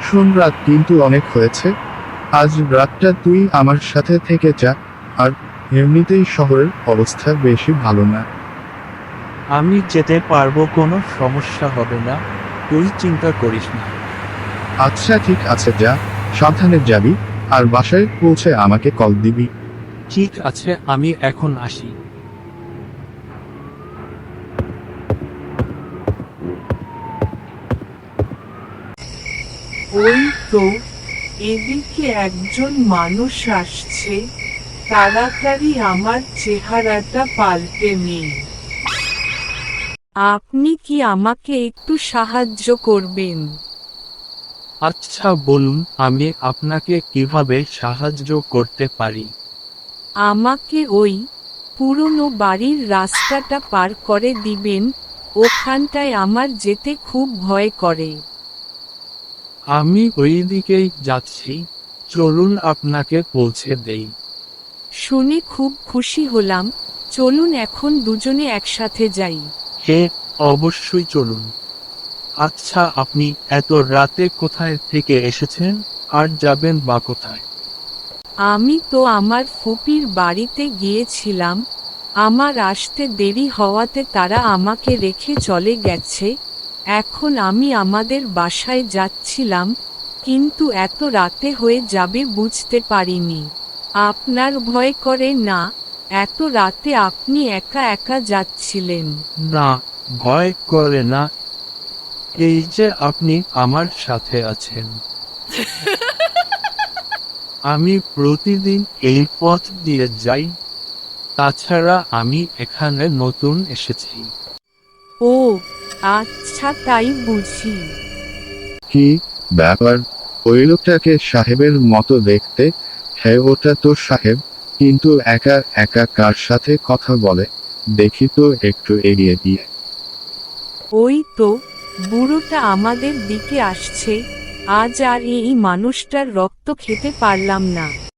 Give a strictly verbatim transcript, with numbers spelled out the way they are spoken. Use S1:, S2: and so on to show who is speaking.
S1: শোন, রাত কিন্তু অনেক হয়েছে। আজ রাতটা তুই আমার সাথে থেকে যা। আর এমনিতেই শহরের অবস্থা বেশি ভালো না।
S2: আমি যেতে পারবো, কোনো সমস্যা হবে না, তুই চিন্তা করিস না।
S1: আচ্ছা ঠিক আছে, যা, সাবধানে যাবি। আর বাসায় পৌঁছে আমাকে কল দিবি।
S2: ঠিক আছে, আমি এখন আসি।
S3: ওই তো, এদিকে একজন মানুষ আসছে। তাড়াতাড়ি আমার চেহারাটা পাল্টে নিন। আপনি কি আমাকে একটু সাহায্য করবেন?
S2: আচ্ছা বলুন, আমি আপনাকে কিভাবে সাহায্য করতে পারি?
S3: আমাকে ওই পুরনো বাড়ির রাস্তাটা পার করে দিবেন, ওখানটায় আমার যেতে খুব ভয় করে।
S2: আমি ওই দিকেই যাচ্ছি, চলুন আপনাকে পৌঁছে দেই।
S3: শুনে খুব খুশি হলাম, চলুন এখন দুজনে একসাথে যাই।
S2: হে, অবশ্যই চলুন। আচ্ছা, আপনি এত রাতে কোথায় থেকে এসেছেন, আর যাবেন বা কোথায়?
S3: আমি তো আমার ফুপির বাড়িতে গিয়েছিলাম, আমার আসতে দেরি হওয়াতে তারা আমাকে রেখে চলে গেছে। এখন আমি আমাদের বাসায় যাচ্ছিলাম, কিন্তু এত রাতে হয়ে যাবে বুঝতে পারিনি। আপনার ভয় করে না? এত রাতে আপনি একা একা যাচ্ছিলেন?
S2: না, ভয় করে না। এই যে আপনি আমার সাথে আছেন। আমি প্রতিদিন এই পথ দিয়ে যাই। তাছাড়া আমি এখানে নতুন এসেছি।
S3: ও আচ্ছা, তাই বুঝি।
S1: কি ব্যাপার? ওই লোকটাকে সাহেবের মতো দেখতে। হ্যাঁ, ওটা তো সাহেব, কিন্তু একা একা কার সাথে কথা বলে? দেখি তো একটু এগিয়ে দিয়ে।
S3: ওই তো, বুড়োটা আমাদের দিকে আসছে। আজ আর এই মানুষটার রক্ত খেতে পারলাম না।